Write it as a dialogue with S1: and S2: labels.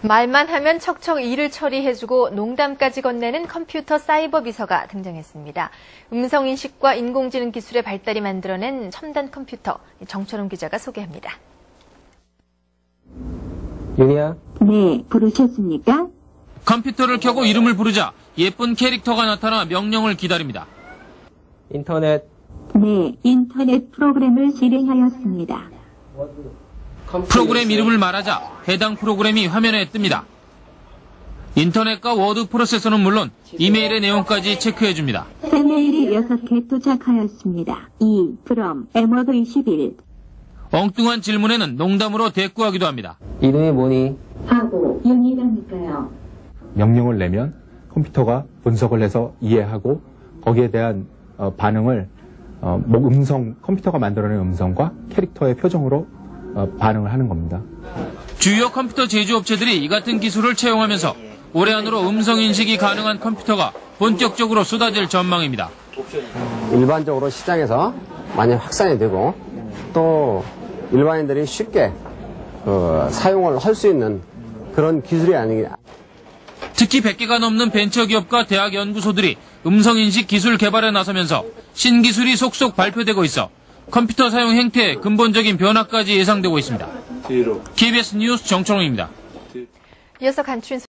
S1: 말만 하면 척척 일을 처리해주고 농담까지 건네는 컴퓨터 사이버 비서가 등장했습니다. 음성인식과 인공지능 기술의 발달이 만들어낸 첨단 컴퓨터, 정철웅 기자가 소개합니다.
S2: 윤희야?
S3: 네, 부르셨습니까?
S4: 컴퓨터를 켜고 이름을 부르자 예쁜 캐릭터가 나타나 명령을 기다립니다.
S2: 인터넷.
S3: 네, 인터넷 프로그램을 실행하였습니다.
S4: 프로그램 이름을 말하자 해당 프로그램이 화면에 뜹니다. 인터넷과 워드 프로세서는 물론 이메일의 내용까지 체크해줍니다.
S3: 새 메일이 6개 도착하였습니다. from m워드21.
S4: 엉뚱한 질문에는 농담으로 대꾸하기도 합니다.
S2: 이름이 뭐니?
S3: 하고 윤희라니까요.
S5: 명령을 내면 컴퓨터가 분석을 해서 이해하고 거기에 대한 반응을 컴퓨터가 만들어낸 음성과 캐릭터의 표정으로 반응을 하는 겁니다.
S4: 주요 컴퓨터 제조업체들이 이 같은 기술을 채용하면서 올해 안으로 음성인식이 가능한 컴퓨터가 본격적으로 쏟아질 전망입니다.
S6: 일반적으로 시장에서 많이 확산이 되고 또 일반인들이 쉽게 사용을 할 수 있는 그런 기술이 아니냐.
S4: 특히 100개가 넘는 벤처기업과 대학 연구소들이 음성인식 기술 개발에 나서면서 신기술이 속속 발표되고 있어 컴퓨터 사용 행태에 근본적인 변화까지 예상되고 있습니다. KBS 뉴스 정철웅입니다.
S1: 이어서 간추린